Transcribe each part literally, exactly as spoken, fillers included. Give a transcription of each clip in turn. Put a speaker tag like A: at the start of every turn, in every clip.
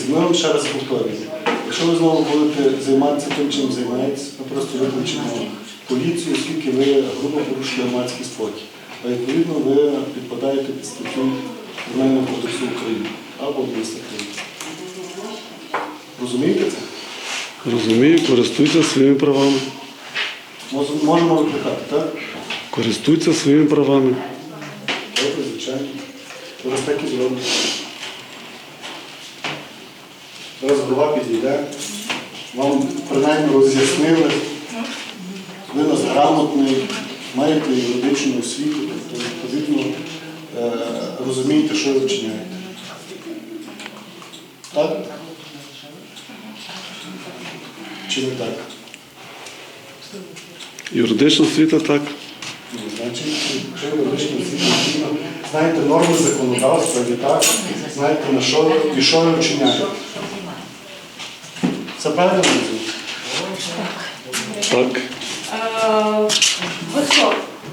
A: ми вам ще раз повторюємо. Якщо ви знову будете займатися тим, чим займаєтесь, ми просто виключимо поліцію, оскільки ви грубо порушили громадський спокій. А відповідно ви підпадаєте під статтю Кримінального кодексу України або адміністративного. Розумієте це?
B: Розумію, користуйся своїми правами.
A: Можемо викликати, так?
B: Користуйся своїми правами.
A: Добре, звичайно. Зараз так і зробимо. Зараз голова підійде. Вам принаймні роз'яснили. Ви нас грамотний, маєте юридичну освіту, тобто відповідно е, розумієте, що ви вчиняєте. Так? Чи не так?
B: Юридична освіта так.
A: Ну, значить, якщо юридична освіта, знаєте норми законодавства, і так, знаєте, на що і що ви вчиняєте. Це правильно розумієте?
B: Так.
C: Е, Ви хто?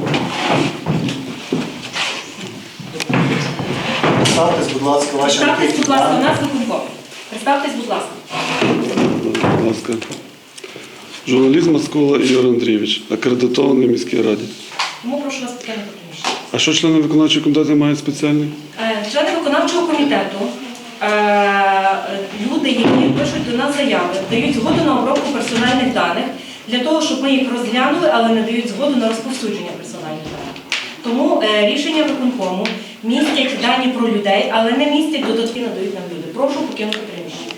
A: Представтесь, будь ласка, ваші
C: Представтесь,
A: анкетні
C: будь ласка, у
A: дані.
C: нас виконком. Представтесь, будь ласка.
B: Будь ласка. Журналіст Маскола Ігор Андрійович, акредитований в міській раді.
C: Тому прошу вас покинути приміщення.
B: А що члени виконавчого комітету мають спеціальний?
C: Е, Члени виконавчого комітету, е, люди, які пишуть до нас заяви, дають згоду на обробку персональних даних для того, щоб ми їх розглянули, але не дають згоду на розповсюдження персональних даних. Тому е, рішення виконкому містять дані про людей, але не містять додатки, надають нам люди. Прошу покинути приміщення.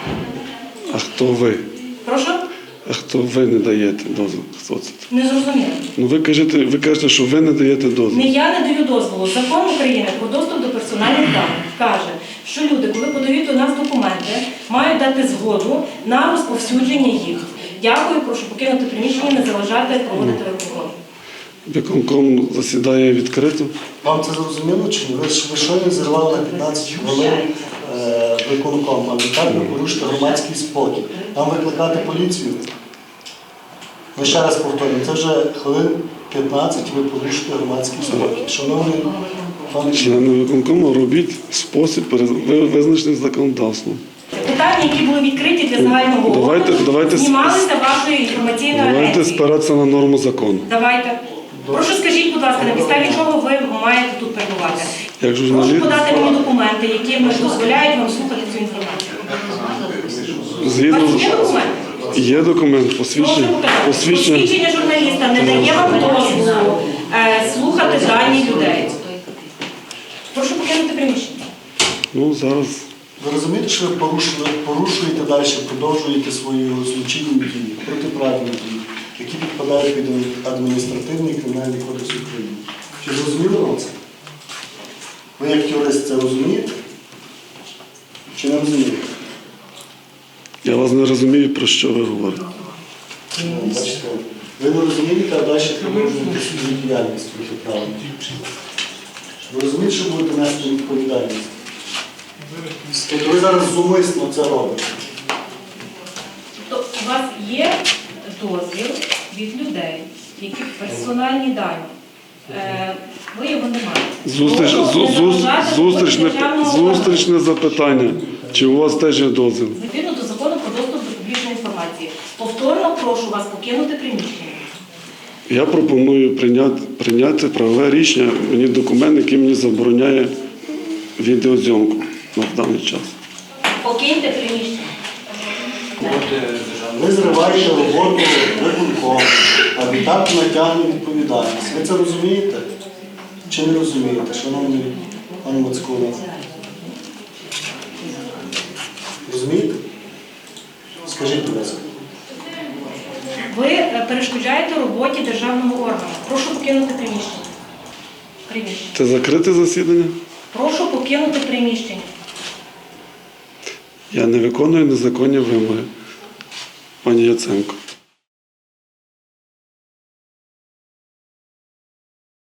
B: А хто ви?
C: Прошу?
B: А хто ви не даєте дозвіл? Хто це?
C: Не зрозуміло.
B: Ну ви кажете, ви кажете, що ви не даєте
C: Не
B: дозвіл.
C: я не даю дозволу. Закон України про доступ до персональних даних каже, що люди, коли подають до нас документи, мають дати згоду на розповсюдження їх. Дякую, прошу покинути приміщення, не заважати проводити виконком.
B: Виконком засідає відкрито.
A: Вам це зрозуміло чи ні? Ви ж ви щойно зірвали на п'ятнадцять хвилин е, виконком, а відтак ви порушите громадський спокій. Вам викликати поліцію? Ми ще раз повторюємо, це вже хвилин п'ятнадцять ви порушите громадський спокій. Шановний пане
B: Члени виконкому робіть в спосіб, ви- визначений законодавством.
C: Питання, які були відкриті для загального
B: Давайте-
C: огляду,
B: давайте-
C: знімалися вашою інформаційною
B: Давайте
C: агенцією.
B: спиратися на норму закону.
C: Давайте. Прошу скажіть, будь ласка, на підставі чого ви маєте тут перебувати?
B: Як
C: Прошу
B: журналіст,
C: подати мені документи, які дозволяють вам слухати цю інформацію. У
B: згідно
C: вас є документи?
B: є документ,
C: Прошу
B: посвідчення,
C: показати.
B: посвідчення.
C: Посвідчення журналіста не дає вам дозволу е, слухати дані людей. Прошу покинути приміщення.
B: Ну зараз
A: Ви розумієте, що ви порушили, порушуєте далі, продовжуєте свої злочинні дії, протиправні дії, які підпадають під адміністративний і кримінальний кодекс України. Чи зрозуміло вам це? Ви як юрист це розумієте? Чи не розумієте?
B: я вас не розумію, про що ви говорите.
A: Ну, бачите, ви не розумієте, а далі продовжуєте свою діяльність протиправну. Ви розумієте, що будете нести відповідальність? Тобто ви зараз зумисно це робите.
C: Тобто у вас є дозвіл від людей, які персональні дані. Е, Ви його не маєте.
B: Зустріч,
C: Прошу
B: зу-
C: не
B: зу-
C: заважати
B: зустрічне,
C: роботі державного органу.
B: зустрічне запитання. Чи у вас теж є дозвіл?
C: Відповідно до закону про доступ до публічної інформації. Повторно прошу вас покинути приміщення.
B: Я пропоную прийняти, прийняти правове рішення, мені документ, який мені забороняє відеозйомку на даний час.
C: Покиньте приміщення.
A: Ви зриваєте роботу виконкому, а відтак натягне відповідальність. Ви це розумієте? Чи не розумієте, шановний пан Мацкула? Розумієте? Скажіть, будь ласка.
C: Ви е, перешкоджаєте роботі державного органу. Прошу покинути приміщення. Приміщення.
B: Це закрите засідання?
C: Прошу покинути приміщення.
B: Я не виконую незаконні вимоги, пані Яценко.